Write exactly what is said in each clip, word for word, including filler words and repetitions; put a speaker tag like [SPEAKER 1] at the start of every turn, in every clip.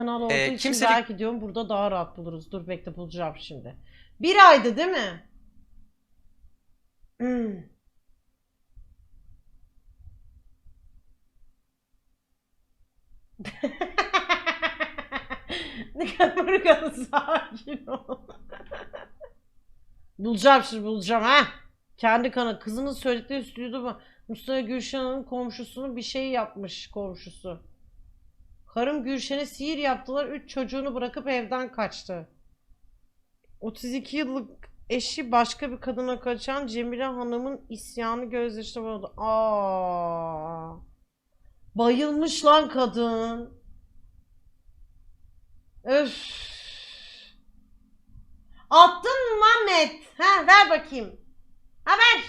[SPEAKER 1] kanal olduğu
[SPEAKER 2] Ee,
[SPEAKER 1] için
[SPEAKER 2] kimse de-
[SPEAKER 1] belki diyorum burada daha rahat buluruz. Dur bekle bulacağım şimdi. Bir aydı değil mi? Hmm. Ne kadar kadar sakin ol. Bulacağım şimdi bulacağım ha. Kendi kanı kızının söyledikleri stüdyoda Mustafa Gülşen'in komşusunun bir şey yapmış komşusu. Karım Gülşen'e sihir yaptılar. Üç çocuğunu bırakıp evden kaçtı. otuz iki yıllık eşi başka bir kadına kaçan Cemile Hanım'ın isyanı gözyaşına boğuldu. Aa. Bayılmış lan kadın. Öf. Attın mı Ahmet? Ha ver bakayım. Ha ver.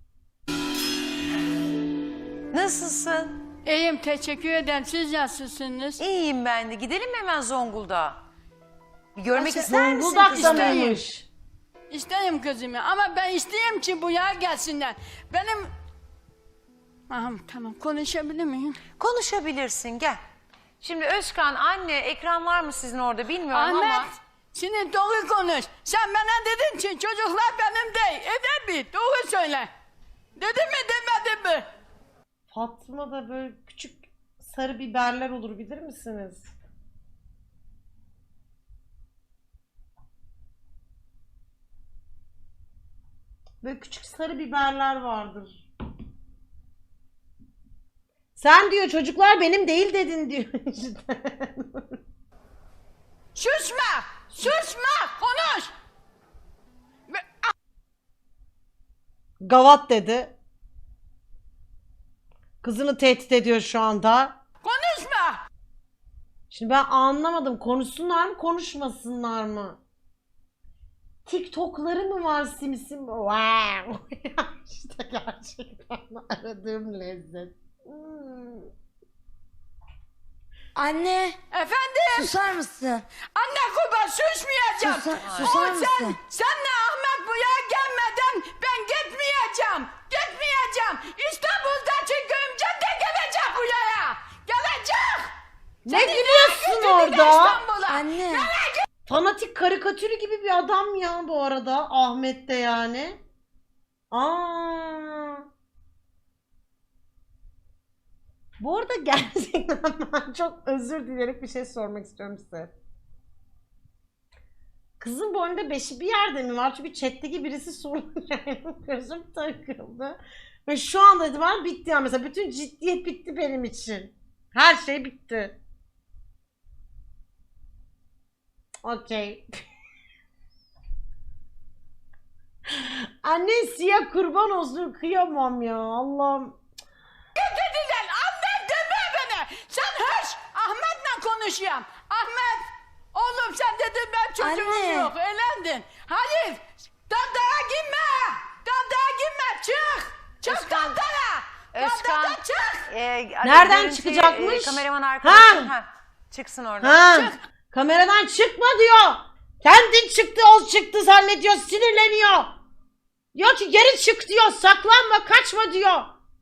[SPEAKER 3] Nasılsın?
[SPEAKER 4] İyiyim, teşekkür ederim. Siz nasılsınız?
[SPEAKER 3] İyiyim ben de. Gidelim mi hemen Zonguldak'a? Bir görmek
[SPEAKER 4] Nasıl?
[SPEAKER 3] ister misin
[SPEAKER 1] Zonguldak'ta
[SPEAKER 3] kızım?
[SPEAKER 4] İsteyim.
[SPEAKER 1] mıymış?
[SPEAKER 4] İsteyim kızımı ama ben isteyeyim ki bu yer gelsinler. Benim... Aha, tamam, konuşabilir miyim?
[SPEAKER 3] Konuşabilirsin, gel. Şimdi Özkan, anne, ekran var mı sizin orada bilmiyorum ama...
[SPEAKER 4] Ahmet, şimdi doğru konuş. Sen bana dedin ki çocuklar benim değil. Evet mi? Doğru söyle. Dedin mi demedin mi?
[SPEAKER 1] Fatma'da böyle küçük sarı biberler olur bilir misiniz? Böyle küçük sarı biberler vardır. Sen diyor çocuklar benim değil dedin diyor işte.
[SPEAKER 4] Susma! Susma! Konuş! Ve-
[SPEAKER 1] Gavat dedi. Kızını tehdit ediyor şu anda.
[SPEAKER 4] Konuşma!
[SPEAKER 1] Şimdi ben anlamadım. Konuşsunlar mı konuşmasınlar mı? TikTok'ları mı var simsim? Wow. İşte gerçekten aradığım lezzet. Hmm.
[SPEAKER 5] Anne,
[SPEAKER 4] Efendim?
[SPEAKER 5] susar mısın?
[SPEAKER 4] Anne kurban susmayacağım.
[SPEAKER 5] Susa-
[SPEAKER 4] O
[SPEAKER 5] susar
[SPEAKER 4] sen,
[SPEAKER 5] mısın?
[SPEAKER 4] senle Ahmet buraya gelmeden ben gitmeyeceğim. Gitmeyeceğim. İstanbul'daki köyümce de gelecek buraya. Gelecek.
[SPEAKER 1] Ne
[SPEAKER 4] Seni
[SPEAKER 1] gülüyorsun
[SPEAKER 4] götürdüm
[SPEAKER 1] orada?
[SPEAKER 4] İstanbul'a.
[SPEAKER 5] Anne,
[SPEAKER 1] Fanatik karikatürü gibi bir adam ya bu arada. Ahmet de yani. Aa. Bu arada gerçekten ben çok özür dileyerek bir şey sormak istiyorum size. Kızın boynunda beşi bir yerde mi var? Çünkü chat'teki birisi sorunca gözüm takıldı. Ve şu anda itibaren bitti yani. Mesela bütün ciddiyet bitti benim için. Her şey bitti. Okey. Anne siyah kurban olsun kıyamam ya Allah'ım.
[SPEAKER 4] Götürdüler. Ahmet deme beni. Sen hış. Ahmet'le konuşuyorum. Ahmet. Oğlum sen dedin ben çocuğum
[SPEAKER 5] Anne.
[SPEAKER 4] yok. Elendin. Hayır. Dandara girme. Dandara girme. Çık. Çık
[SPEAKER 3] Özkan.
[SPEAKER 4] dandara.
[SPEAKER 3] Özkan.
[SPEAKER 4] Dandara çık.
[SPEAKER 3] e,
[SPEAKER 1] Nereden
[SPEAKER 3] görüntü,
[SPEAKER 1] çıkacakmış?
[SPEAKER 3] e, kameraman arkadaşım.
[SPEAKER 1] Ha.
[SPEAKER 3] Ha. Çıksın oradan.
[SPEAKER 1] Ha, kameradan çıkma diyor. Kendin çıktı o çıktı zannediyor sinirleniyor. Diyor ki geri çık diyor saklanma kaçma diyor.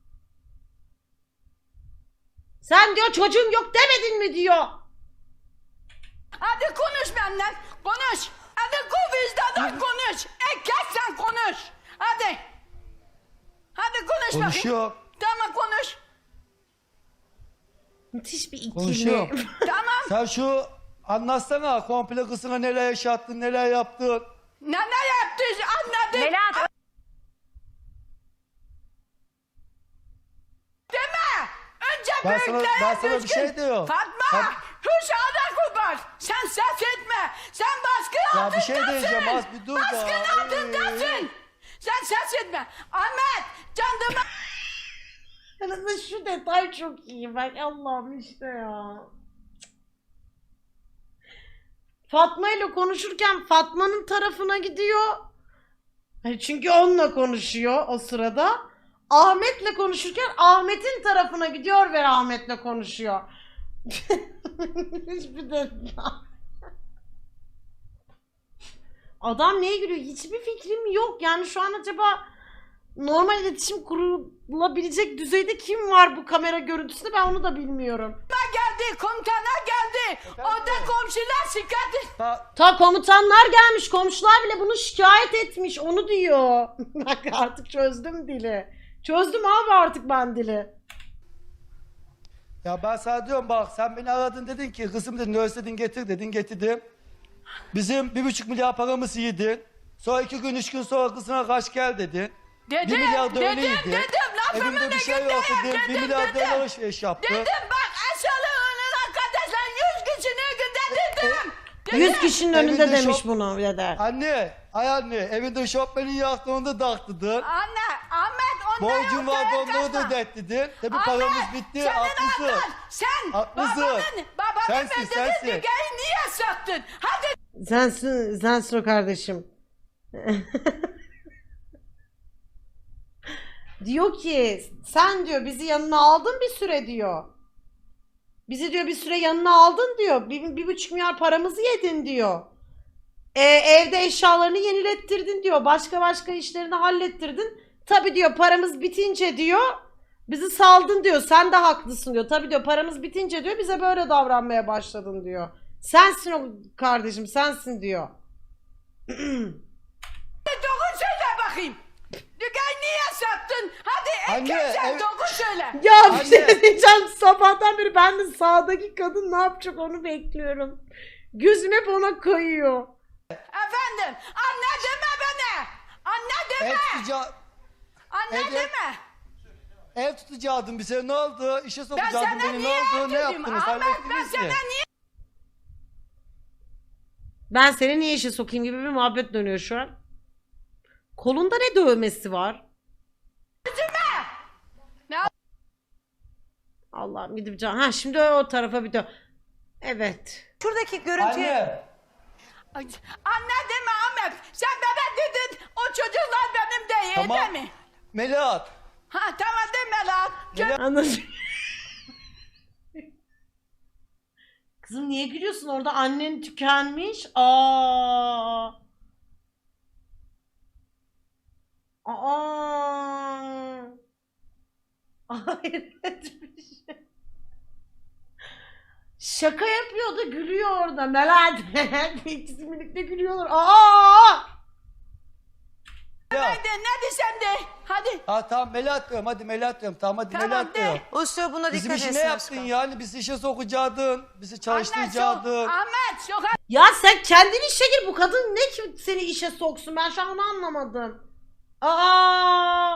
[SPEAKER 1] Sen diyor çocuğum yok demedin mi diyor.
[SPEAKER 4] Hadi konuş benden. Konuş. Hadi ku vicdandan konuş. Erkek sen konuş. Hadi. Hadi konuş bakayım.
[SPEAKER 6] Konuşuyor.
[SPEAKER 4] Tamam konuş.
[SPEAKER 1] Müthiş bir ikili.
[SPEAKER 6] Konuşuyor.
[SPEAKER 4] Tamam.
[SPEAKER 6] Sen şu anlatsana komple kızına neler yaşattın, neler yaptın.
[SPEAKER 4] Ne ne yaptın anladım.
[SPEAKER 3] Melahat,
[SPEAKER 4] Deme. Önce
[SPEAKER 6] Ben sana-
[SPEAKER 4] büyüklere
[SPEAKER 6] ben sana bir
[SPEAKER 4] düzgün.
[SPEAKER 6] şey diyorum.
[SPEAKER 4] Fatma.
[SPEAKER 6] Ben-
[SPEAKER 4] Huş ana kurban. Sen ses etme. Sen baskın
[SPEAKER 6] Ya bir
[SPEAKER 4] altındasın.
[SPEAKER 6] şey diyeceğim, az bir dur da.
[SPEAKER 4] Baskın altındasın. Sen ses etme. Ahmet. Candıma.
[SPEAKER 1] Arada şu detay çok iyi. Ben Allah'ım işte ya. Fatma ile konuşurken Fatma'nın tarafına gidiyor. Hani çünkü onunla konuşuyor o sırada. Ahmet'le konuşurken Ahmet'in tarafına gidiyor ve Ahmet'le konuşuyor. Hiçbir detay. Adam neye gülüyor? Hiçbir fikrim yok. Yani şu an acaba normal iletişim kurulabilecek düzeyde kim var bu kamera görüntüsünde, ben onu da bilmiyorum.
[SPEAKER 4] geldi, komutana geldi. Orada komşular şikayet.
[SPEAKER 6] Ta-
[SPEAKER 1] Ta komutanlar gelmiş, komşular bile bunu şikayet etmiş, onu diyor. Bak artık çözdüm dili. Çözdüm abi artık ben dili.
[SPEAKER 6] Ya ben sana diyorum bak, sen beni aradın, dedin ki kızım dedin, özledin getir dedin, getirdim. Bizim bir buçuk milyar paramızı yedin. Sonra iki gün üç gün sonra kızına kaç gel dedin.
[SPEAKER 4] Dedim,
[SPEAKER 6] Bir milyar da
[SPEAKER 4] dedim,
[SPEAKER 6] öyleydi.
[SPEAKER 4] dedim, lafımın
[SPEAKER 6] Evimde bir şey
[SPEAKER 4] önünde
[SPEAKER 6] yok
[SPEAKER 4] yap,
[SPEAKER 6] dedim. Bir
[SPEAKER 4] dedim,
[SPEAKER 6] milyar
[SPEAKER 4] dedim.
[SPEAKER 6] dolar alışveriş yaptı.
[SPEAKER 4] Dedim bak aşağılığının arkadaşlar yüz kişinin günde dedim. Dedim.
[SPEAKER 1] Yüz kişinin önünde
[SPEAKER 6] Evinde
[SPEAKER 1] demiş
[SPEAKER 6] şok-
[SPEAKER 1] bunu deder.
[SPEAKER 6] Anne, ay anne, evinde şofbenin yaktığında taktıdın.
[SPEAKER 4] Anne, Ahmet ondan
[SPEAKER 6] Borcun
[SPEAKER 4] yok,
[SPEAKER 6] vardı,
[SPEAKER 4] dayak
[SPEAKER 6] onları da
[SPEAKER 4] kaçma.
[SPEAKER 6] ödettirdin. Tabii
[SPEAKER 4] Ahmet,
[SPEAKER 6] paramız bitti,
[SPEAKER 4] senin
[SPEAKER 6] haklısın.
[SPEAKER 4] ablan, sen
[SPEAKER 6] Haklısın.
[SPEAKER 4] babanın, babanın
[SPEAKER 6] Sensin,
[SPEAKER 4] öldürdüğün
[SPEAKER 6] sensin.
[SPEAKER 4] dünyayı niye sattın? Hadi
[SPEAKER 1] Sensin, sensin o kardeşim. Diyor ki sen diyor bizi yanına aldın bir süre diyor. Bizi diyor bir süre yanına aldın diyor. Bir, bir buçuk milyar paramızı yedin diyor. E, evde eşyalarını yenilettirdin diyor. Başka başka işlerini hallettirdin. Tabii diyor paramız bitince diyor bizi saldın diyor. Sen de haklısın diyor. Tabii diyor paramız bitince diyor bize böyle davranmaya başladın diyor. Sensin o kardeşim, sensin diyor.
[SPEAKER 4] doğru söyle bakayım. Dünyayı niye sattın? Hadi
[SPEAKER 6] Anne,
[SPEAKER 4] erkek sen
[SPEAKER 6] ev-
[SPEAKER 4] doğru söyle.
[SPEAKER 1] Ya bir
[SPEAKER 6] Anne.
[SPEAKER 1] şey diyeceğim, sabahtan beri ben de sağdaki kadın ne yapacak onu bekliyorum. Gözüm hep ona kayıyor.
[SPEAKER 4] Efendim, anne deme bana. Anne deme.
[SPEAKER 6] Ev tutacağı,
[SPEAKER 4] Anne
[SPEAKER 6] ev-
[SPEAKER 4] deme.
[SPEAKER 6] ev tutacaktın bize, ne oldu? İşe
[SPEAKER 4] Ben
[SPEAKER 6] sokacaktın
[SPEAKER 4] sana
[SPEAKER 6] beni, ne
[SPEAKER 4] niye
[SPEAKER 6] oldu? Ne
[SPEAKER 4] dedim?
[SPEAKER 6] yaptınız?
[SPEAKER 4] Ahmet ben
[SPEAKER 6] Hallettiniz
[SPEAKER 4] sana
[SPEAKER 6] mi?
[SPEAKER 4] niye
[SPEAKER 1] Ben seni niye işe sokayım gibi bir muhabbet dönüyor şu an. Kolunda ne dövmesi var?
[SPEAKER 4] Ne?
[SPEAKER 1] Allah'ım gidip can. Ha şimdi o tarafa bir dön. Evet.
[SPEAKER 3] Şuradaki görüntüye...
[SPEAKER 6] Anne,
[SPEAKER 4] Ay, Anne deme Ahmet. Sen bana dedin o çocuklar benim değil
[SPEAKER 6] Tamam.
[SPEAKER 4] değil mi?
[SPEAKER 6] Melahat.
[SPEAKER 4] Ha tamam deme lan. Gö-
[SPEAKER 1] Anladım. Kızım niye gülüyorsun? Orada annen tükenmiş. Aa. Aa. Hayret bir şey. Şaka yapıyor da gülüyor orada. Melat. İkisi birlikte gülüyorlar. Aa!
[SPEAKER 4] Hadi ne desem de. Hadi.
[SPEAKER 6] Ha tamam Melahat diyorum, hadi Melahat diyorum. Tamam hadi
[SPEAKER 4] Tamam,
[SPEAKER 6] Melahat
[SPEAKER 4] de.
[SPEAKER 6] diyorum.
[SPEAKER 3] Usta buna
[SPEAKER 6] Bizim
[SPEAKER 3] dikkat
[SPEAKER 6] işi
[SPEAKER 3] etsin
[SPEAKER 6] ne yaptın
[SPEAKER 3] Özkan.
[SPEAKER 6] yani? Bizi işe sokacaktın, bizi
[SPEAKER 4] Anne sok.
[SPEAKER 6] çalıştıracaktın.
[SPEAKER 4] Ahmet sok.
[SPEAKER 1] Ya sen kendin işe gir. Bu kadın ne ki seni işe soksun? Ben şu an onu anlamadım. Aa!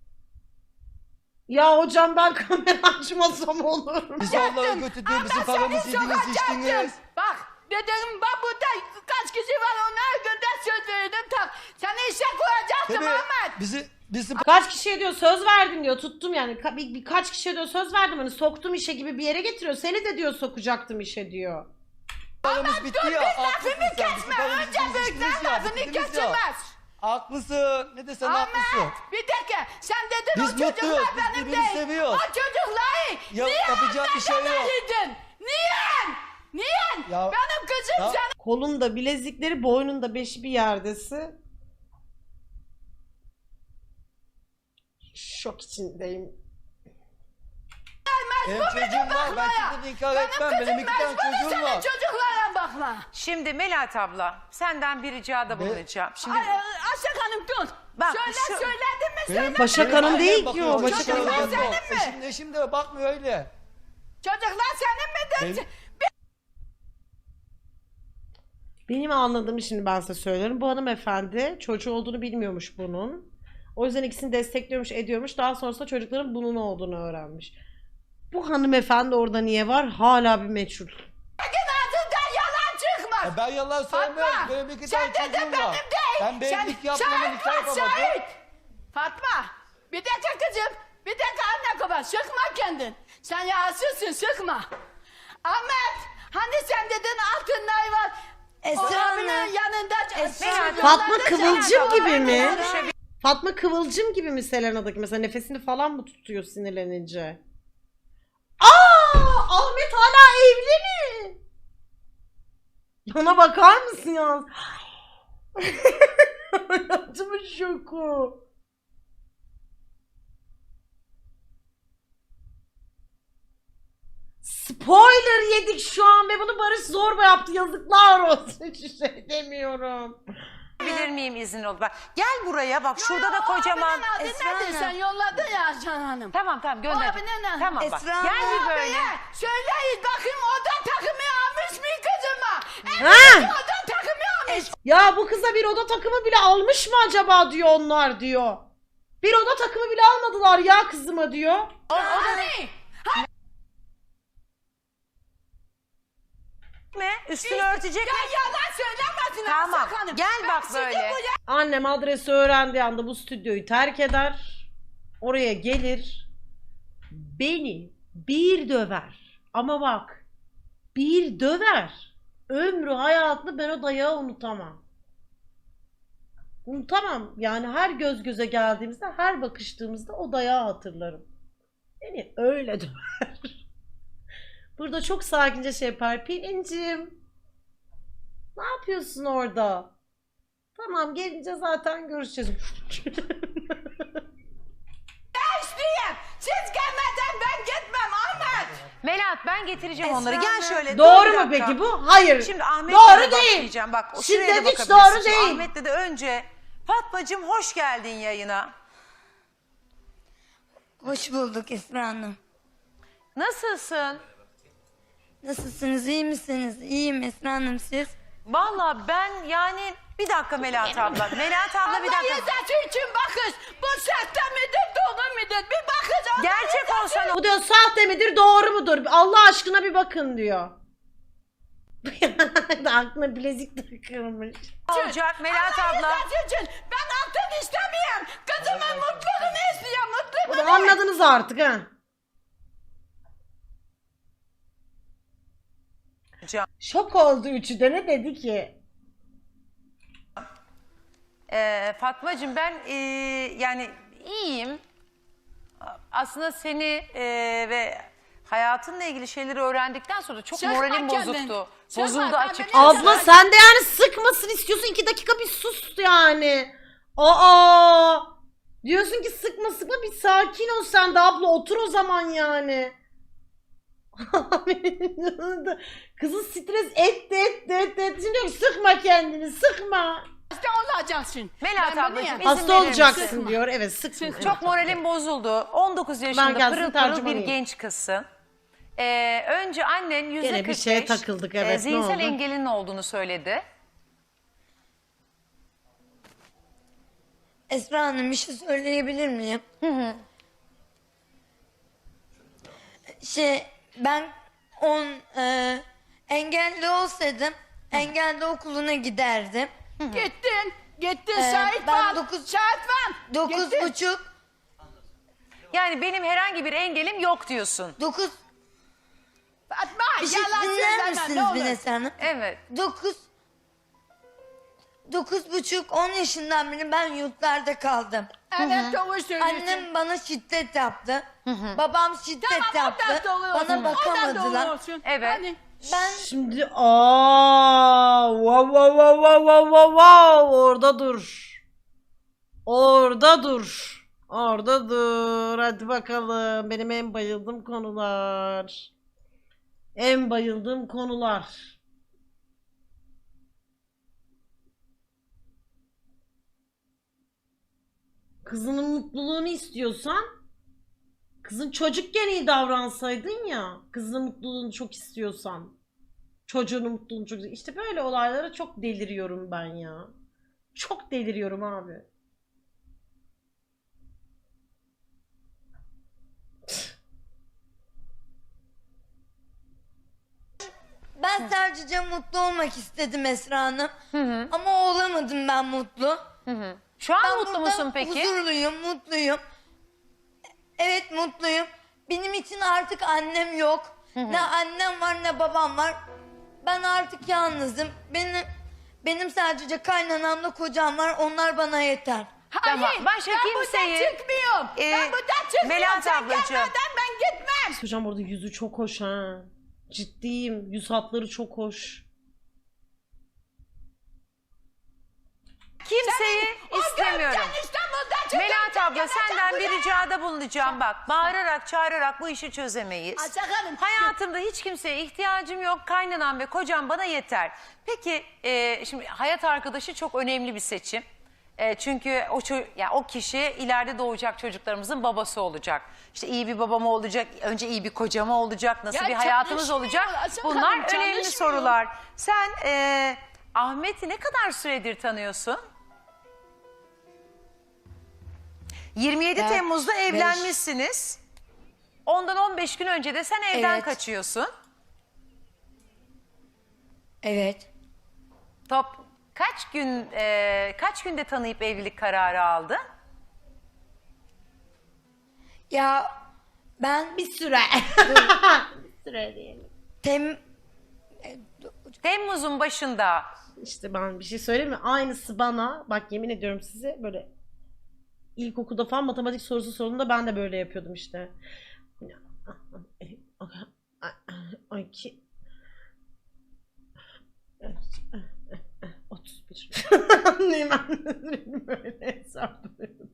[SPEAKER 1] Ya hocam ben kamera açmasam olur mu?
[SPEAKER 6] Bizi onlara götürdün, bizim paramızı yediniz, içtiniz.
[SPEAKER 4] Bak dedim bak burada kaç kişi var onlara gönder söz verdim tak. Seni işe koyacaktım
[SPEAKER 6] Tabii
[SPEAKER 4] Ahmet.
[SPEAKER 6] bizi, bizim
[SPEAKER 1] Kaç kişiye diyor söz verdim diyor, tuttum yani. Ka- bir, birkaç kişiye diyor söz verdim, hani soktum işe gibi bir yere getiriyor. Seni de diyor sokacaktım işe diyor.
[SPEAKER 6] paramız bitti
[SPEAKER 4] Dur
[SPEAKER 6] ya.
[SPEAKER 4] bir
[SPEAKER 6] Haklısın
[SPEAKER 4] lafımı
[SPEAKER 6] sen, bizim
[SPEAKER 4] kesme.
[SPEAKER 6] paramızı
[SPEAKER 4] Önce
[SPEAKER 6] yediniz,
[SPEAKER 4] büyükler
[SPEAKER 6] içtiniz ya,
[SPEAKER 4] lafını
[SPEAKER 6] bitirdiniz ya.
[SPEAKER 4] kesilmez.
[SPEAKER 6] Haklısın, ne desen haklısın.
[SPEAKER 4] Ahmet bir dakika sen dedin
[SPEAKER 6] Biz
[SPEAKER 4] o çocuklar
[SPEAKER 6] mutluyuz, biz
[SPEAKER 4] benim
[SPEAKER 6] birbirini
[SPEAKER 4] değil.
[SPEAKER 6] seviyoruz.
[SPEAKER 4] O çocukları
[SPEAKER 6] Ya,
[SPEAKER 4] niye
[SPEAKER 6] yapacak bir şey yok.
[SPEAKER 4] anneden Niye? Niye?
[SPEAKER 6] Ya-
[SPEAKER 4] Benim kızım
[SPEAKER 6] Ya-
[SPEAKER 4] sen
[SPEAKER 1] Kolunda bilezikleri, boynunda beşi bir yerdesi. Şok içindeyim.
[SPEAKER 6] Benim çocuğum var, ben kimseden inkar etmem.
[SPEAKER 4] benim
[SPEAKER 6] Benim
[SPEAKER 4] kızım
[SPEAKER 6] iki tane
[SPEAKER 4] mecbur
[SPEAKER 6] çocuğum
[SPEAKER 4] senin
[SPEAKER 6] var.
[SPEAKER 4] çocuklara bakma.
[SPEAKER 3] Şimdi Melahat abla senden bir ricada bulunacağım. Şimdi
[SPEAKER 4] Ay, Aşak Hanım dur.
[SPEAKER 3] Bak,
[SPEAKER 4] Söyle
[SPEAKER 3] şu-
[SPEAKER 4] söyledin mi
[SPEAKER 6] Benim-
[SPEAKER 4] söyle.
[SPEAKER 1] Başak
[SPEAKER 6] benim
[SPEAKER 1] Hanım
[SPEAKER 6] annem
[SPEAKER 1] değil ki
[SPEAKER 6] bakıyor,
[SPEAKER 1] o, Başak
[SPEAKER 6] çocuklarıma
[SPEAKER 4] Hanım.
[SPEAKER 6] bakıyor.
[SPEAKER 4] Senin mi?
[SPEAKER 6] Eşim, eşim de bakmıyor öyle.
[SPEAKER 4] Çocuklar senin mi?
[SPEAKER 6] Benim-
[SPEAKER 1] Benim anladığım, şimdi ben size söylerim. Bu hanımefendi çocuğu olduğunu bilmiyormuş bunun. O yüzden ikisini destekliyormuş, ediyormuş. Daha sonrasında çocukların bunun olduğunu öğrenmiş. Bu hanımefendi orada niye var? Hala bir meçhul.
[SPEAKER 4] Sakın ağzından yalan çıkmaz.
[SPEAKER 6] E ben yalan söylemem.
[SPEAKER 4] Fatma,
[SPEAKER 6] Benim iki
[SPEAKER 4] sen
[SPEAKER 6] tane
[SPEAKER 4] dedin
[SPEAKER 6] çocuğum
[SPEAKER 4] benim
[SPEAKER 6] var.
[SPEAKER 4] değil.
[SPEAKER 6] Ben bir
[SPEAKER 4] Sen-
[SPEAKER 6] evlilik yapmadım,
[SPEAKER 4] şahit
[SPEAKER 6] nikah
[SPEAKER 4] var,
[SPEAKER 6] yapamadım.
[SPEAKER 4] şahit. Fatma, bir dakika kızım. Bir dakika anne baba, sıkma kendin. Sen yağsızsın, sıkma. Ahmet, hani sen dedin altınlar var.
[SPEAKER 3] Esra
[SPEAKER 4] abinin
[SPEAKER 3] Hanım.
[SPEAKER 4] yanında.
[SPEAKER 3] Esra Hanım.
[SPEAKER 1] Fatma
[SPEAKER 4] yollarda
[SPEAKER 1] Kıvılcım
[SPEAKER 4] sen-
[SPEAKER 1] gibi mi?
[SPEAKER 3] Konuşabilir-
[SPEAKER 1] Fatma Kıvılcım gibi mi Selena'daki? Mesela nefesini falan mı tutuyor sinirlenince? Aa! Ahmet hala evli mi? Bana bakar mısın ya? Hayatımın şoku. Spoiler yedik şu an ve bunu Barış Zorba yaptı. Yazıklar olsun. Hiç şey demiyorum.
[SPEAKER 3] Bilir miyim izin ol. Bak gel buraya bak şurada da kocaman.
[SPEAKER 4] Abinin adı
[SPEAKER 3] Esra
[SPEAKER 4] nedir?
[SPEAKER 3] Hanım.
[SPEAKER 4] Sen yolladın ya Can Hanım.
[SPEAKER 3] Tamam tamam
[SPEAKER 4] O
[SPEAKER 3] gönder.
[SPEAKER 4] abinin adı.
[SPEAKER 3] Tamam bak
[SPEAKER 2] Esra
[SPEAKER 3] gel
[SPEAKER 2] Hanım.
[SPEAKER 3] bir böyle.
[SPEAKER 4] Abiye söyleyin bakayım oda takımı almış mı kızıma?
[SPEAKER 1] Ha?
[SPEAKER 4] Evet oda takımı almış.
[SPEAKER 1] Ya bu kıza bir oda takımı bile almış mı acaba diyor onlar diyor. Bir oda takımı bile almadılar ya kızıma diyor.
[SPEAKER 4] Hani?
[SPEAKER 3] mi? Üstünü örtecek
[SPEAKER 4] Ya
[SPEAKER 3] mi?
[SPEAKER 4] yalan söylemesin
[SPEAKER 3] Tamam.
[SPEAKER 4] Aslı Hanım.
[SPEAKER 3] Gel
[SPEAKER 4] Ben
[SPEAKER 3] bak
[SPEAKER 4] sizi
[SPEAKER 3] böyle.
[SPEAKER 4] bu
[SPEAKER 1] Annem adresi öğrendiği anda bu stüdyoyu terk eder. Oraya gelir. Beni bir döver. Ama bak. Bir döver. Ömrü hayatını ben o dayağı unutamam. Unutamam. Yani her göz göze geldiğimizde, her bakıştığımızda o dayağı hatırlarım. Beni öyle döver. Burada çok sakince şey yapar. Pelincim. Ne yapıyorsun orada? Tamam gelince zaten görüşeceğiz.
[SPEAKER 4] yaşlıyım. Siz gelmeden ben gitmem Ahmet.
[SPEAKER 3] Melahat ben getireceğim
[SPEAKER 2] Esra
[SPEAKER 3] onları. Gel
[SPEAKER 2] Hanım.
[SPEAKER 3] şöyle.
[SPEAKER 1] Doğru
[SPEAKER 3] dur bir
[SPEAKER 1] mu
[SPEAKER 3] dakika.
[SPEAKER 1] peki bu? Hayır.
[SPEAKER 3] Şimdi Ahmet'le
[SPEAKER 1] Doğru
[SPEAKER 3] de
[SPEAKER 1] değil.
[SPEAKER 3] başlayacağım. Bak
[SPEAKER 1] Şiddet
[SPEAKER 3] şuraya da
[SPEAKER 1] hiç
[SPEAKER 3] bakabilirsin.
[SPEAKER 1] doğru
[SPEAKER 3] Şimdi
[SPEAKER 1] değil.
[SPEAKER 3] Ahmet'le de önce Fatmacığım hoş geldin yayına.
[SPEAKER 2] Hoş bulduk Esra Hanım.
[SPEAKER 3] Nasılsın?
[SPEAKER 2] Nasılsınız? İyi misiniz? İyiyim Esra Hanım, siz?
[SPEAKER 3] Vallahi ben yani bir dakika Melahat abla. Melahat abla bir
[SPEAKER 4] Allah
[SPEAKER 3] dakika.
[SPEAKER 4] rızası için bakış. Bu sahte midir doğru mudur? Bir bakış. Allah
[SPEAKER 3] Gerçek
[SPEAKER 4] rızası
[SPEAKER 3] olsa ne
[SPEAKER 1] Bu diyor sahte midir doğru mudur? Allah aşkına bir bakın diyor. Aklına bilezik takılmış.
[SPEAKER 3] olacak Melahat
[SPEAKER 4] Allah
[SPEAKER 3] abla?
[SPEAKER 4] rızası için ben altın istemiyorum. Kızımın mutluluğunu istiyorum.
[SPEAKER 1] Bunu
[SPEAKER 4] Mutluluğunu.
[SPEAKER 1] anladınız artık ha.
[SPEAKER 3] Can.
[SPEAKER 1] Şok oldu üçü de, ne dedi ki?
[SPEAKER 3] Ee, Fatmacığım ben ee, yani iyiyim. Aslında seni ee, ve hayatınla ilgili şeyleri öğrendikten sonra çok
[SPEAKER 4] Sıkma
[SPEAKER 3] moralim
[SPEAKER 4] kendini.
[SPEAKER 3] bozuktu.
[SPEAKER 4] Sıkma,
[SPEAKER 3] Bozuldu
[SPEAKER 4] ben
[SPEAKER 3] açıkçası.
[SPEAKER 4] beni-
[SPEAKER 1] Abla sen de yani sıkmasın istiyorsun, iki dakika bir sus yani. Aa! Diyorsun ki sıkma sıkma, bir sakin ol sen de abla, otur o zaman yani. Kızı stres etti etti etti etti. Şimdi diyor ki sıkma kendini, sıkma.
[SPEAKER 4] Hasta olacaksın.
[SPEAKER 3] Melahat
[SPEAKER 4] Ben bunu
[SPEAKER 3] ablacığım,
[SPEAKER 4] yap-
[SPEAKER 3] izin
[SPEAKER 1] Hasta
[SPEAKER 3] verir
[SPEAKER 1] olacaksın
[SPEAKER 3] misin?
[SPEAKER 1] diyor. Evet, sıkma.
[SPEAKER 4] Sıkma.
[SPEAKER 3] Çok moralim bozuldu. on dokuz yaşında
[SPEAKER 1] gelsin,
[SPEAKER 3] pırıl pırıl bir
[SPEAKER 1] tercümanıyım.
[SPEAKER 3] genç kızsın. Ee, önce annen yüzde
[SPEAKER 1] Gene bir
[SPEAKER 3] kırk beş
[SPEAKER 1] şeye takıldık, evet, ne
[SPEAKER 3] zihinsel
[SPEAKER 1] oldu?
[SPEAKER 3] engelin olduğunu söyledi.
[SPEAKER 2] Esra Hanım, bir şey söyleyebilir miyim?
[SPEAKER 3] Hı hı.
[SPEAKER 2] Şey, ben on e, engelli olsaydım engelli okuluna giderdim.
[SPEAKER 4] Gittin. Gittin
[SPEAKER 2] Ee,
[SPEAKER 4] şahit
[SPEAKER 2] ben
[SPEAKER 4] var.
[SPEAKER 2] dokuz-
[SPEAKER 4] Şahit var.
[SPEAKER 2] Dokuz
[SPEAKER 4] Gittin.
[SPEAKER 2] buçuk,
[SPEAKER 3] Yani benim herhangi bir engelim yok diyorsun.
[SPEAKER 2] dokuz...
[SPEAKER 4] Fatma
[SPEAKER 2] Bir şey
[SPEAKER 4] yalan
[SPEAKER 2] dinler
[SPEAKER 4] söyleme ne
[SPEAKER 2] misiniz
[SPEAKER 4] olur.
[SPEAKER 2] beni Esra Hanım?
[SPEAKER 3] Evet.
[SPEAKER 2] Dokuz... Dokuz buçuk, on yaşından beri ben yurtlarda kaldım.
[SPEAKER 4] Evet doğru söylüyorsun.
[SPEAKER 2] Annem bana şiddet yaptı. Babam şiddet
[SPEAKER 4] Tamam
[SPEAKER 2] yaptı.
[SPEAKER 4] ondan doğru olsun.
[SPEAKER 2] Bana
[SPEAKER 4] Ondan
[SPEAKER 2] bakamadılar.
[SPEAKER 4] doğru olsun.
[SPEAKER 3] Evet.
[SPEAKER 4] Hani
[SPEAKER 2] Ben
[SPEAKER 1] Şimdi aa, wow, wow, wow, wow, wow, wow, wow. Orada dur. Orada dur. Orada dur. Hadi bakalım. Benim en bayıldığım konular. En bayıldığım konular. Kızının mutluluğunu istiyorsan, kızın çocukken iyi davransaydın ya, kızının mutluluğunu çok istiyorsan, çocuğunun mutluluğunu çok, işte böyle olaylara çok deliriyorum ben ya. Çok deliriyorum abi.
[SPEAKER 2] ben sadece mutlu olmak istedim Esra Hanım.
[SPEAKER 3] Hı hı.
[SPEAKER 2] Ama olamadım ben mutlu.
[SPEAKER 3] Hı hı. Şu an
[SPEAKER 2] Ben
[SPEAKER 3] mutlu
[SPEAKER 2] burada
[SPEAKER 3] musun peki?
[SPEAKER 2] Huzurluyum, mutluyum. Evet, mutluyum. Benim için artık annem yok. Ne annem var ne babam var. Ben artık yalnızım. Benim benim sadece kaynanamla kocam var. Onlar bana yeter.
[SPEAKER 3] Tamam,
[SPEAKER 4] hayır
[SPEAKER 3] başka
[SPEAKER 4] ben
[SPEAKER 3] kimseyi-
[SPEAKER 4] buradan çıkmıyorum.
[SPEAKER 3] Ee,
[SPEAKER 4] ben buradan çıkmıyorum.
[SPEAKER 3] Melahat
[SPEAKER 4] Sen
[SPEAKER 3] ablacığım.
[SPEAKER 4] gelmeden ben gitmem.
[SPEAKER 1] Hocam orada yüzü çok hoş ha. Ciddiyim. Yüz hatları çok hoş.
[SPEAKER 3] Kimseyi
[SPEAKER 4] Senin- o
[SPEAKER 3] istemiyorum.
[SPEAKER 4] görsen İstanbul'da çıkar,
[SPEAKER 3] Melahat abla
[SPEAKER 4] çıkar,
[SPEAKER 3] senden
[SPEAKER 4] çıkar
[SPEAKER 3] bir
[SPEAKER 4] buraya.
[SPEAKER 3] ricada bulunacağım bak. Bağırarak çağırarak bu işi çözemeyiz.
[SPEAKER 4] Ay, sakalım.
[SPEAKER 3] Hayatımda hiç kimseye ihtiyacım yok. Kaynanam ve kocam bana yeter. Peki e, şimdi hayat arkadaşı çok önemli bir seçim. E, çünkü o ço- yani o kişi ileride doğacak çocuklarımızın babası olacak. İşte iyi bir babam olacak, önce iyi bir kocam olacak, nasıl
[SPEAKER 4] Ya
[SPEAKER 3] bir hayatımız
[SPEAKER 4] çalışmıyor,
[SPEAKER 3] olacak?
[SPEAKER 4] Asıl
[SPEAKER 3] Bunlar
[SPEAKER 4] Hanım,
[SPEAKER 3] önemli
[SPEAKER 4] çalışmıyor.
[SPEAKER 3] sorular. Sen e, Ahmet'i ne kadar süredir tanıyorsun? yirmi yedi
[SPEAKER 2] Ben
[SPEAKER 3] Temmuz'da
[SPEAKER 2] beş-
[SPEAKER 3] evlenmişsiniz. Ondan on beş gün önce de sen evden
[SPEAKER 2] Evet.
[SPEAKER 3] kaçıyorsun.
[SPEAKER 2] Evet.
[SPEAKER 3] Top kaç gün e, kaç günde tanıyıp evlilik kararı aldın?
[SPEAKER 2] Ya ben
[SPEAKER 1] Bir süre. Bir süre diyelim.
[SPEAKER 2] tem
[SPEAKER 3] Temmuz'un başında.
[SPEAKER 1] İşte ben bir şey söyleyeyim mi? Aynısı bana, bak yemin ediyorum size, böyle ilkokulda falan matematik sorusu sorduğunda ben de böyle yapıyordum işte. Ay ki otuz bir. Anlayayım ben böyle hesaplıyordum.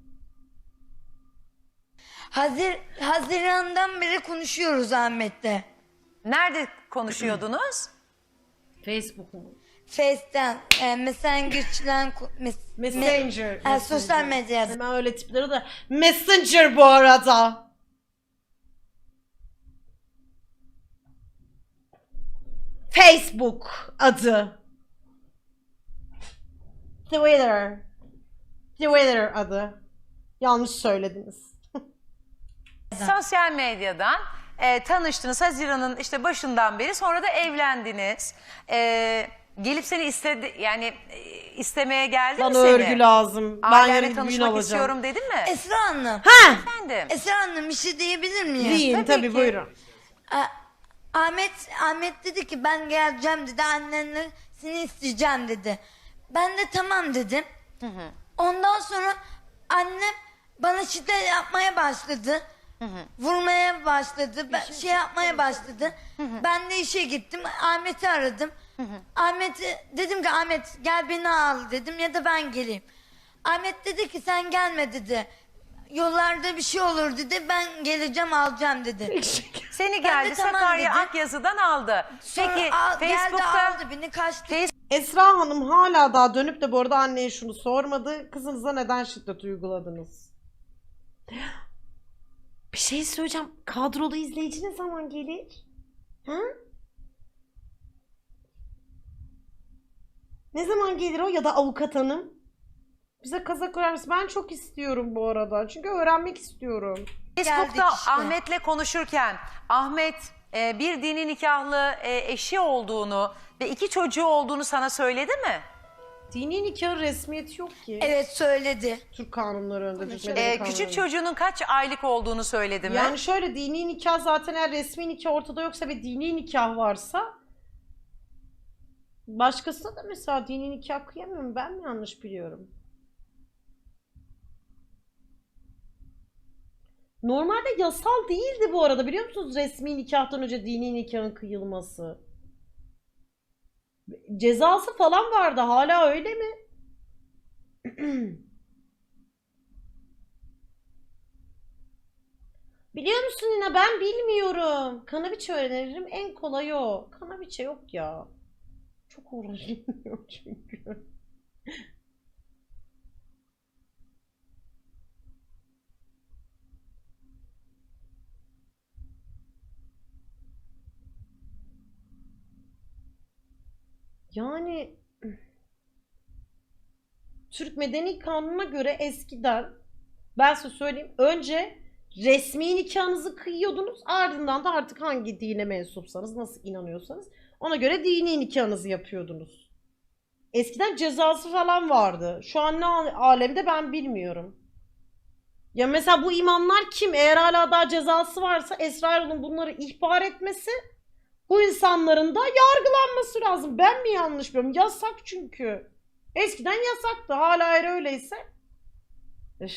[SPEAKER 2] Hazir Haziran'dan beri konuşuyoruz Ahmet'le.
[SPEAKER 3] Nerede konuşuyordunuz?
[SPEAKER 1] Facebook mu?
[SPEAKER 2] Face'ten, e, Messenger'den, ko- mes-
[SPEAKER 1] Messenger.
[SPEAKER 2] me- e, sosyal medyada.
[SPEAKER 1] Hemen öyle tipleri de. Messenger bu arada. Facebook adı. Twitter. Twitter adı. Yanlış söylediniz.
[SPEAKER 3] Sosyal medyadan e, tanıştınız Haziran'ın işte başından beri, sonra da evlendiniz. E, gelip seni istedi, yani e, istemeye geldi mi
[SPEAKER 1] Bana
[SPEAKER 3] seni?
[SPEAKER 1] örgü lazım. Ben
[SPEAKER 3] Ailenle
[SPEAKER 1] yarın bir düğün
[SPEAKER 3] tanışmak
[SPEAKER 1] alacağım.
[SPEAKER 3] istiyorum dedin mi?
[SPEAKER 2] Esra Hanım.
[SPEAKER 1] Ha!
[SPEAKER 3] Efendim.
[SPEAKER 2] Esra Hanım bir şey diyebilir miyim?
[SPEAKER 1] Deyin
[SPEAKER 3] Tabii
[SPEAKER 1] tabii,
[SPEAKER 3] ki.
[SPEAKER 1] buyurun.
[SPEAKER 2] A- Ahmet Ahmet dedi ki ben geleceğim dedi, annenle seni isteyeceğim dedi. Ben de tamam dedim. Ondan sonra annem bana şiddet yapmaya başladı. Vurmaya başladı. Ben, şey yapmaya başladı. Ben de işe gittim. Ahmet'i aradım. Ahmet'i dedim ki Ahmet gel beni al dedim ya da ben geleyim. Ahmet dedi ki sen gelme dedi. Yollarda bir şey olur dedi. Ben geleceğim alacağım dedi.
[SPEAKER 3] Seni
[SPEAKER 2] Ben
[SPEAKER 3] geldi
[SPEAKER 2] de tamam
[SPEAKER 3] Sakarya
[SPEAKER 2] dedim.
[SPEAKER 3] Akyazı'dan aldı.
[SPEAKER 2] Sonra
[SPEAKER 3] Peki
[SPEAKER 2] al- geldi
[SPEAKER 3] Facebook'ta
[SPEAKER 2] aldı beni kaçtı.
[SPEAKER 1] Esra Hanım hala daha dönüp de bu arada anneye şunu sormadı. Kızınıza neden şiddet uyguladınız? Bir şey söyleyeceğim. Kadrolu izleyici ne zaman gelir? Ha? Ne zaman gelir o, ya da avukat hanım? Bize kazak örer misin? Ben çok istiyorum bu arada. Çünkü öğrenmek istiyorum.
[SPEAKER 3] Facebook'ta
[SPEAKER 2] Geldik işte.
[SPEAKER 3] Ahmet'le konuşurken Ahmet e, bir dini nikahlı e, eşi olduğunu ve iki çocuğu olduğunu sana söyledi mi?
[SPEAKER 1] Dini nikahın resmiyeti yok ki.
[SPEAKER 2] Evet söyledi.
[SPEAKER 1] Türk kanunları önünde. Türk
[SPEAKER 3] E,
[SPEAKER 1] medeni
[SPEAKER 3] küçük
[SPEAKER 1] kanunları.
[SPEAKER 3] çocuğunun kaç aylık olduğunu söyledi mi?
[SPEAKER 1] Yani şöyle, dini nikah zaten, eğer resmi nikah ortada yoksa ve dini nikah varsa, başkasına da mesela dini nikah kıyamıyorum. Ben mi yanlış biliyorum? Normalde yasal değildi bu arada, biliyor musunuz, resmi nikahtan önce dini nikahın kıyılması. Cezası falan vardı, hala öyle mi? Biliyor musun yine, ben bilmiyorum. Kanaviçe öğrenirim, en kolayı o. Kanaviçe yok ya. Çok uğraşılmıyor çünkü. Yani Türk Medeni Kanunu'na göre eskiden, ben size söyleyeyim, önce resmi nikahınızı kıyıyordunuz, ardından da artık hangi dine mensupsanız, nasıl inanıyorsanız ona göre dini nikahınızı yapıyordunuz. Eskiden cezası falan vardı. Şu an ne alemde ben bilmiyorum. Ya mesela bu imamlar kim? Eğer hala daha cezası varsa Esra Erol'un bunları ihbar etmesi, bu insanların da yargılanması lazım. Ben mi yanlış biliyorum? Yasak çünkü. Eskiden yasaktı. Hala eğer öyleyse. Üf.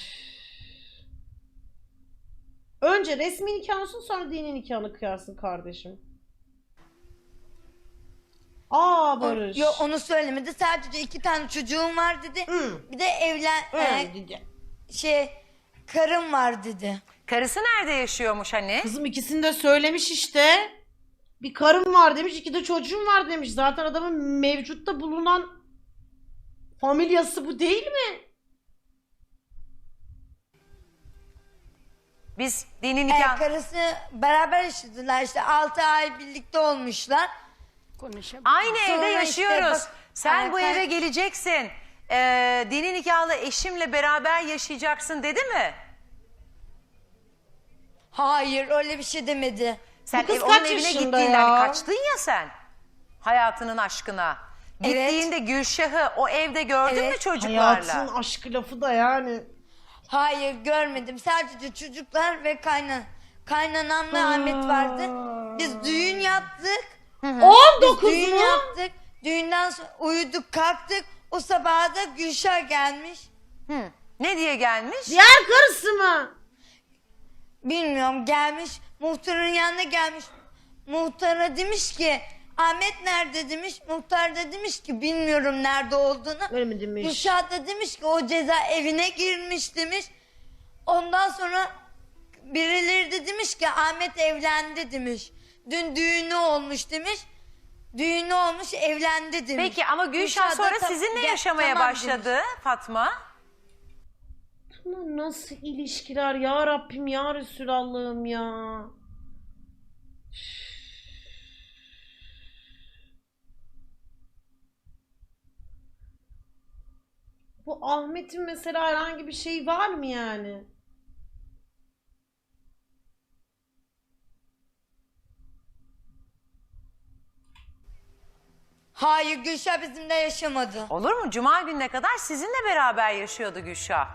[SPEAKER 1] Önce resmi nikahın olsun, sonra dini nikahını kıyarsın kardeşim. Aa Barış.
[SPEAKER 2] Yok onu söylemedi. Sadece iki tane çocuğum var dedi.
[SPEAKER 1] Hı.
[SPEAKER 2] Bir de evlen
[SPEAKER 1] Hı,
[SPEAKER 2] e,
[SPEAKER 1] dedi.
[SPEAKER 2] şey karım var dedi.
[SPEAKER 3] Karısı nerede yaşıyormuş hani?
[SPEAKER 1] Kızım ikisini de söylemiş işte. Bir karım var demiş, iki de çocuğum var demiş. Zaten adamın mevcutta bulunan familyası bu değil mi?
[SPEAKER 3] Biz dini
[SPEAKER 2] E,
[SPEAKER 3] nikah...
[SPEAKER 2] karısı beraber yaşadılar işte altı ay birlikte olmuşlar.
[SPEAKER 4] Konuşalım.
[SPEAKER 3] Aynı
[SPEAKER 2] Sonra
[SPEAKER 3] evde
[SPEAKER 2] işte
[SPEAKER 3] yaşıyoruz.
[SPEAKER 2] bak-
[SPEAKER 3] Sen
[SPEAKER 2] Evet,
[SPEAKER 3] bu
[SPEAKER 2] ben-
[SPEAKER 3] eve geleceksin. Ee, dini nikahlı eşimle beraber yaşayacaksın dedi mi?
[SPEAKER 2] Hayır öyle bir şey demedi.
[SPEAKER 3] Sen
[SPEAKER 1] kız
[SPEAKER 3] ev, onun
[SPEAKER 1] kaç
[SPEAKER 3] evine
[SPEAKER 1] yaşında
[SPEAKER 3] gittiğinde
[SPEAKER 1] ya?
[SPEAKER 3] hani kaçtın ya sen. Hayatının aşkına.
[SPEAKER 2] Evet.
[SPEAKER 3] Gittiğinde Gülşah'ı o evde gördün
[SPEAKER 2] Evet.
[SPEAKER 3] mü çocuklarla?
[SPEAKER 1] Hayatın aşkı lafı da yani.
[SPEAKER 2] Hayır görmedim. Sadece çocuklar ve kaynan kaynanamla Ahmet vardı. Biz düğün yaptık.
[SPEAKER 1] on
[SPEAKER 2] Biz
[SPEAKER 1] dokuz
[SPEAKER 2] düğün
[SPEAKER 1] mu?
[SPEAKER 2] yaptık. Düğünden sonra uyuduk kalktık. O sabah da Gülşah gelmiş.
[SPEAKER 3] Hı. Ne diye gelmiş?
[SPEAKER 1] Diğer karısı mı?
[SPEAKER 2] Bilmiyorum gelmiş. Muhtarın yanına gelmiş. Muhtara demiş ki Ahmet nerede demiş. Muhtar da demiş ki bilmiyorum nerede olduğunu.
[SPEAKER 1] Öyle mi demiş?
[SPEAKER 2] Gülşah da demiş ki o ceza evine girmiş demiş. Ondan sonra birileri de demiş ki Ahmet evlendi demiş. Dün düğünü olmuş demiş. Düğünü olmuş evlendi demiş.
[SPEAKER 3] Peki ama Gülşah
[SPEAKER 2] Gülşah da
[SPEAKER 3] sonra
[SPEAKER 2] tam-
[SPEAKER 3] sizinle
[SPEAKER 2] Gel-
[SPEAKER 3] yaşamaya
[SPEAKER 2] tamam
[SPEAKER 3] başladı Fatma.
[SPEAKER 1] Bunlar nasıl ilişkiler ya Rabbim ya Resulallah'ım ya. Bu Ahmet'in mesela herhangi bir şey var mı yani?
[SPEAKER 2] Hayır Gülşah bizimle yaşamadı.
[SPEAKER 3] Olur mu? Cuma gününe kadar sizinle beraber yaşıyordu Gülşah.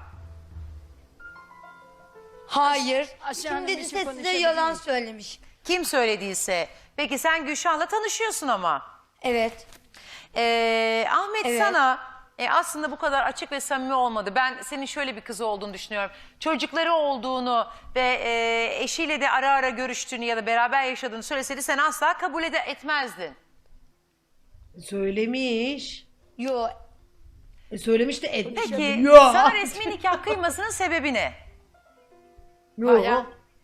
[SPEAKER 2] Hayır.
[SPEAKER 4] Aşağı Hanım,
[SPEAKER 2] Kim
[SPEAKER 4] bir
[SPEAKER 2] dediyse
[SPEAKER 4] şey
[SPEAKER 2] size
[SPEAKER 4] konuşabilir
[SPEAKER 2] yalan
[SPEAKER 4] miyim?
[SPEAKER 2] söylemiş.
[SPEAKER 3] Kim söylediyse. Peki sen Gülşah'la tanışıyorsun ama.
[SPEAKER 2] Evet.
[SPEAKER 3] Ee, Ahmet
[SPEAKER 2] Evet.
[SPEAKER 3] sana e, aslında bu kadar açık ve samimi olmadı. Ben senin şöyle bir kız olduğunu düşünüyorum. Çocukları olduğunu ve e, eşiyle de ara ara görüştüğünü ya da beraber yaşadığını söyleseydi sen asla kabul ede etmezdin.
[SPEAKER 1] Söylemiş.
[SPEAKER 2] Yo.
[SPEAKER 1] E söylemiş de etmiş.
[SPEAKER 3] Peki
[SPEAKER 1] Yo.
[SPEAKER 3] sana resmi nikah kıymasının sebebi ne?
[SPEAKER 1] Yo.
[SPEAKER 4] Bayağı.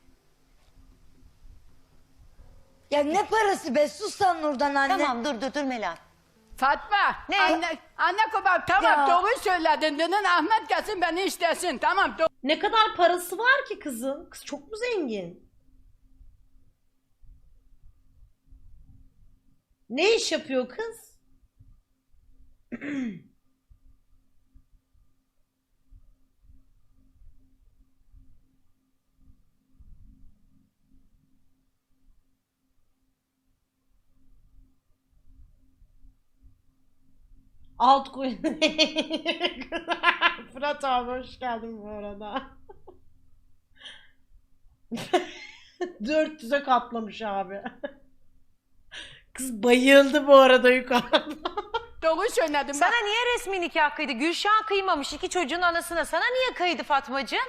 [SPEAKER 2] Ya ne parası be sus sen Nurdan anne.
[SPEAKER 3] Tamam dur dur dur Melan.
[SPEAKER 4] Fatma.
[SPEAKER 3] Ne?
[SPEAKER 4] Anne, anne babam tamam
[SPEAKER 2] Ya.
[SPEAKER 4] doğru söyledin. Dedin Ahmet gelsin beni istesin. Tamam doğru.
[SPEAKER 1] Ne kadar parası var ki kızın? Kız çok mu zengin? Ne iş yapıyor kız? Altcoin. Fırat abi hoş geldin bu arada. dört yüze katlamış abi. Kız bayıldı bu arada yukarıda.
[SPEAKER 4] Doğru söyledim. Bak,
[SPEAKER 3] Sana niye resmi nikah kıydı? Gülşah kıymamış iki çocuğun anasına. Sana niye kıydı Fatmacığım?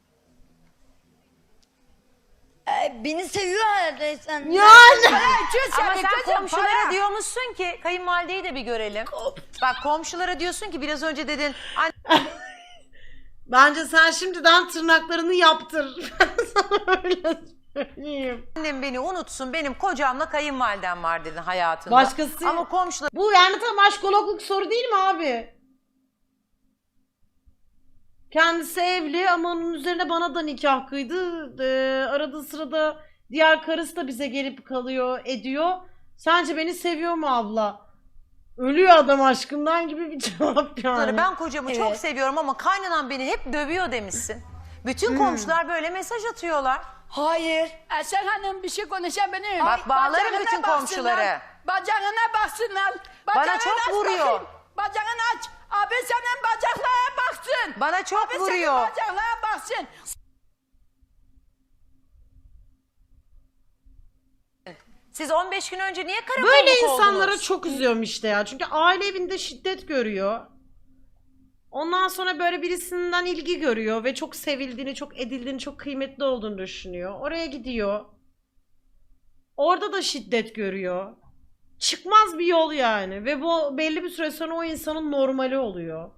[SPEAKER 2] Ee, beni seviyor herhalde sen.
[SPEAKER 1] Yani.
[SPEAKER 4] Hey, çüz
[SPEAKER 3] Ama
[SPEAKER 4] seni
[SPEAKER 3] sen
[SPEAKER 4] kızım,
[SPEAKER 3] komşulara
[SPEAKER 4] para.
[SPEAKER 3] diyormuşsun ki kayınvalideyi de bir görelim. Bak komşulara diyorsun ki biraz önce dedin "An-
[SPEAKER 1] Bence sen şimdiden tırnaklarını yaptır. Ben sana öyle söyleyeyim.
[SPEAKER 3] annem beni unutsun benim kocamla kayınvalidem var dedin hayatında.
[SPEAKER 1] Başkası-
[SPEAKER 3] Ama komşular
[SPEAKER 1] Bu yani tam aşkologluk soru değil mi abi? Kendisi evli ama onun üzerine bana da nikah kıydı. Ee, arada sırada diğer karısı da bize gelip kalıyor, ediyor. Sence beni seviyor mu abla? Ölüyor adam aşkından gibi bir cevap yani.
[SPEAKER 3] ben kocamı çok
[SPEAKER 2] Evet.
[SPEAKER 3] seviyorum ama kaynanan beni hep dövüyor demişsin. Bütün komşular böyle mesaj atıyorlar.
[SPEAKER 2] Hayır.
[SPEAKER 4] Eser Hanım bir şey konuşabilir miyim?
[SPEAKER 3] Bak, bağlarım
[SPEAKER 4] Bacağına
[SPEAKER 3] bütün
[SPEAKER 4] baksınlar,
[SPEAKER 3] komşuları.
[SPEAKER 4] Bacağına baksınlar.
[SPEAKER 3] Bana
[SPEAKER 4] Bacağını
[SPEAKER 3] çok
[SPEAKER 4] aç
[SPEAKER 3] vuruyor.
[SPEAKER 4] bakayım. Bacağını aç. Abi senin bacaklara baksın.
[SPEAKER 3] Bana çok
[SPEAKER 4] Abi
[SPEAKER 3] vuruyor.
[SPEAKER 4] senin bacaklara baksın.
[SPEAKER 3] Siz on beş gün önce niye karakolluk
[SPEAKER 1] Böyle
[SPEAKER 3] oldunuz?
[SPEAKER 1] insanlara çok üzüyorum işte ya. Çünkü aile evinde şiddet görüyor. Ondan sonra böyle birisinden ilgi görüyor ve çok sevildiğini, çok edildiğini, çok kıymetli olduğunu düşünüyor. Oraya gidiyor. Orada da şiddet görüyor. çıkmaz bir yol yani. Ve bu belli bir süre sonra o insanın normali oluyor.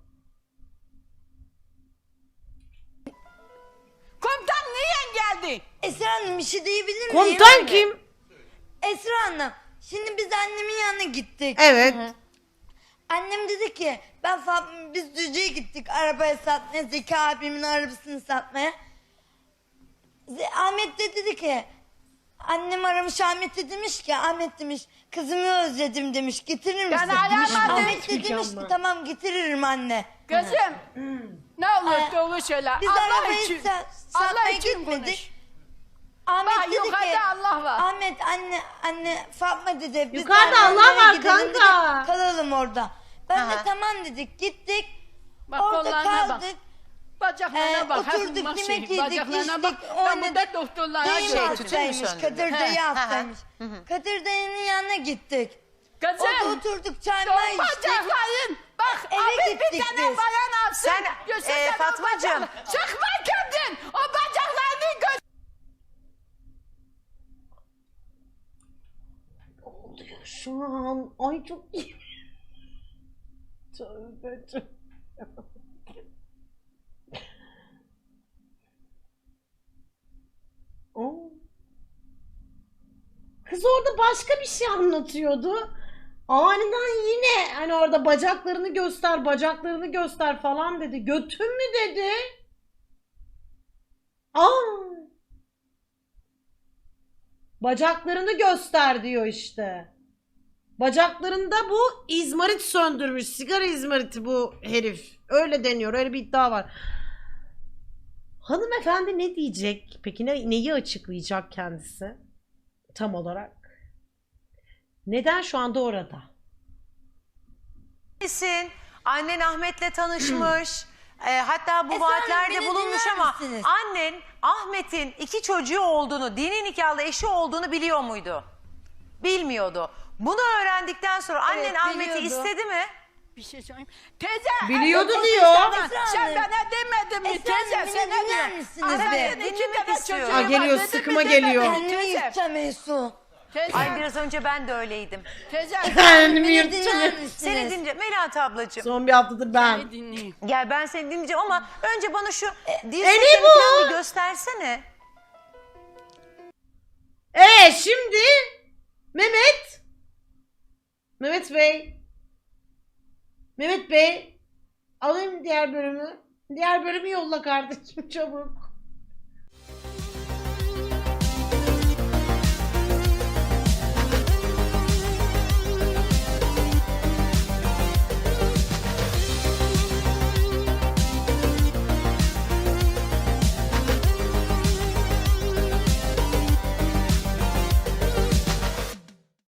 [SPEAKER 4] Komutan niye geldi?
[SPEAKER 2] Esra Hanım bir şey diyebilir miyim?
[SPEAKER 1] Komutan kim?
[SPEAKER 2] Esra Hanım şimdi biz annemin yanına gittik.
[SPEAKER 1] Evet.
[SPEAKER 2] Annem dedi ki ben Fa- biz Düzce'ye gittik arabaya satmaya, Zeki abimin arabasını satmaya. Z- Ahmet de dedi ki annem aramış Ahmet'e demiş ki Ahmet demiş kızımı özledim demiş getirir misin?
[SPEAKER 4] Ben aramadım.
[SPEAKER 2] Ahmet de demiş ki tamam getiririm anne.
[SPEAKER 4] Gözüm. Ne olur
[SPEAKER 2] Ee,
[SPEAKER 4] doğru söyle.
[SPEAKER 2] Biz
[SPEAKER 4] Allah
[SPEAKER 2] arabayı
[SPEAKER 4] için.
[SPEAKER 2] sa-
[SPEAKER 4] Allah
[SPEAKER 2] satmaya
[SPEAKER 4] için
[SPEAKER 2] gitmedik.
[SPEAKER 4] konuş.
[SPEAKER 2] Ahmet
[SPEAKER 4] Bak
[SPEAKER 2] dedi
[SPEAKER 4] yukarıda
[SPEAKER 2] ki
[SPEAKER 4] Allah var.
[SPEAKER 2] Ahmet anne anne Fatma dedi. Biz
[SPEAKER 1] Yukarıda
[SPEAKER 2] de
[SPEAKER 1] Allah
[SPEAKER 2] arabaya
[SPEAKER 1] var
[SPEAKER 2] gidelim dedi,
[SPEAKER 1] kanka.
[SPEAKER 2] kalalım orada. Ben
[SPEAKER 3] Aha.
[SPEAKER 2] de tamam dedik gittik.
[SPEAKER 4] Bak
[SPEAKER 2] orada
[SPEAKER 4] kollarına bak.
[SPEAKER 2] kaldık.
[SPEAKER 4] Bacaklarına
[SPEAKER 2] Ee,
[SPEAKER 4] bak.
[SPEAKER 2] oturduk,
[SPEAKER 4] hafif bak
[SPEAKER 2] yemek
[SPEAKER 4] şey,
[SPEAKER 2] yedik,
[SPEAKER 4] Bacaklarına bak.
[SPEAKER 2] içtik,
[SPEAKER 4] Ben
[SPEAKER 2] oynadık.
[SPEAKER 4] burada doktorlara
[SPEAKER 2] Dayım
[SPEAKER 3] Şey,
[SPEAKER 4] gördüm.
[SPEAKER 3] tütün mü
[SPEAKER 2] hastaymış.
[SPEAKER 3] söndürdün?
[SPEAKER 2] Kadir
[SPEAKER 3] He,
[SPEAKER 2] dayı
[SPEAKER 3] he, he.
[SPEAKER 2] hastaymış. Kadir dayının yanına gittik. Orada
[SPEAKER 4] Kızım.
[SPEAKER 2] oturduk çay
[SPEAKER 4] Son
[SPEAKER 2] may içtik.
[SPEAKER 4] bacakların. Bak
[SPEAKER 2] Eve
[SPEAKER 4] Ahmet bir
[SPEAKER 2] gittik
[SPEAKER 4] tane
[SPEAKER 2] biz.
[SPEAKER 4] bayan alsın.
[SPEAKER 3] Sen,
[SPEAKER 4] göster
[SPEAKER 3] e,
[SPEAKER 4] sana o
[SPEAKER 3] Fatmacığım.
[SPEAKER 4] bacakları. Sıkma kendin. O bacaklarını göster.
[SPEAKER 1] Ne oluyor şu an? Ay çok iyi. Tövbe tövbe. Oo. Kız orada başka bir şey anlatıyordu. Aniden yine hani orada bacaklarını göster, bacaklarını göster falan dedi. Götün mü dedi? Aa. Bacaklarını göster diyor işte. Bacaklarında bu izmarit söndürmüş. Sigara izmariti bu herif. Öyle deniyor. Öyle bir iddia var. Hanımefendi ne diyecek? Peki ne, neyi açıklayacak kendisi? Tam olarak. Neden şu anda orada?
[SPEAKER 3] Nesin? Annen Ahmet'le tanışmış. E, hatta bu
[SPEAKER 2] Esra Hanım,
[SPEAKER 3] vaatlerde
[SPEAKER 2] beni
[SPEAKER 3] bulunmuş
[SPEAKER 2] dinler
[SPEAKER 3] ama
[SPEAKER 2] misiniz?
[SPEAKER 3] annen Ahmet'in iki çocuğu olduğunu, dini nikahlı eşi olduğunu biliyor muydu? Bilmiyordu. Bunu öğrendikten sonra annen
[SPEAKER 2] Evet,
[SPEAKER 3] Ahmet'i
[SPEAKER 2] biliyordu.
[SPEAKER 3] istedi mi?
[SPEAKER 4] Bir şey söyleyeyim. Teyze.
[SPEAKER 1] Biliyordu
[SPEAKER 4] evet,
[SPEAKER 1] diyor.
[SPEAKER 4] Esra
[SPEAKER 2] Esra
[SPEAKER 4] Sen
[SPEAKER 2] Hanım.
[SPEAKER 4] bana demedin mi
[SPEAKER 2] Esra Hanım,
[SPEAKER 4] teyze?
[SPEAKER 2] beni
[SPEAKER 4] Sen ne
[SPEAKER 2] dinler
[SPEAKER 4] diyorsun?
[SPEAKER 2] misiniz
[SPEAKER 4] Annenin
[SPEAKER 3] be?
[SPEAKER 4] iki
[SPEAKER 3] Dinlemek
[SPEAKER 4] tane
[SPEAKER 3] istiyorum.
[SPEAKER 4] çocuğu
[SPEAKER 1] Aa,
[SPEAKER 4] var,
[SPEAKER 1] geliyor,
[SPEAKER 4] dedin mi,
[SPEAKER 1] sıkıma
[SPEAKER 4] demedin mi
[SPEAKER 1] geliyor.
[SPEAKER 2] Kendimi
[SPEAKER 4] teyze?
[SPEAKER 2] yırtacağım Esu.
[SPEAKER 4] Teyze.
[SPEAKER 3] Ay biraz önce ben de öyleydim.
[SPEAKER 4] Teyze.
[SPEAKER 1] Kendimi
[SPEAKER 2] Beni
[SPEAKER 1] yırtacağım.
[SPEAKER 2] dinler
[SPEAKER 3] Seni
[SPEAKER 2] misiniz?
[SPEAKER 3] dinle Melahat ablacığım.
[SPEAKER 1] Son bir haftadır ben.
[SPEAKER 4] Seni dinleyeyim.
[SPEAKER 3] Gel ben seni dinleyeceğim ama önce bana şu diz
[SPEAKER 1] e ne
[SPEAKER 3] setini
[SPEAKER 1] bu?
[SPEAKER 3] falan bir göstersene.
[SPEAKER 1] Ee şimdi Mehmet Mehmet Bey Mehmet Bey alayım diğer bölümü. Diğer bölümü yolla kardeşim çabuk.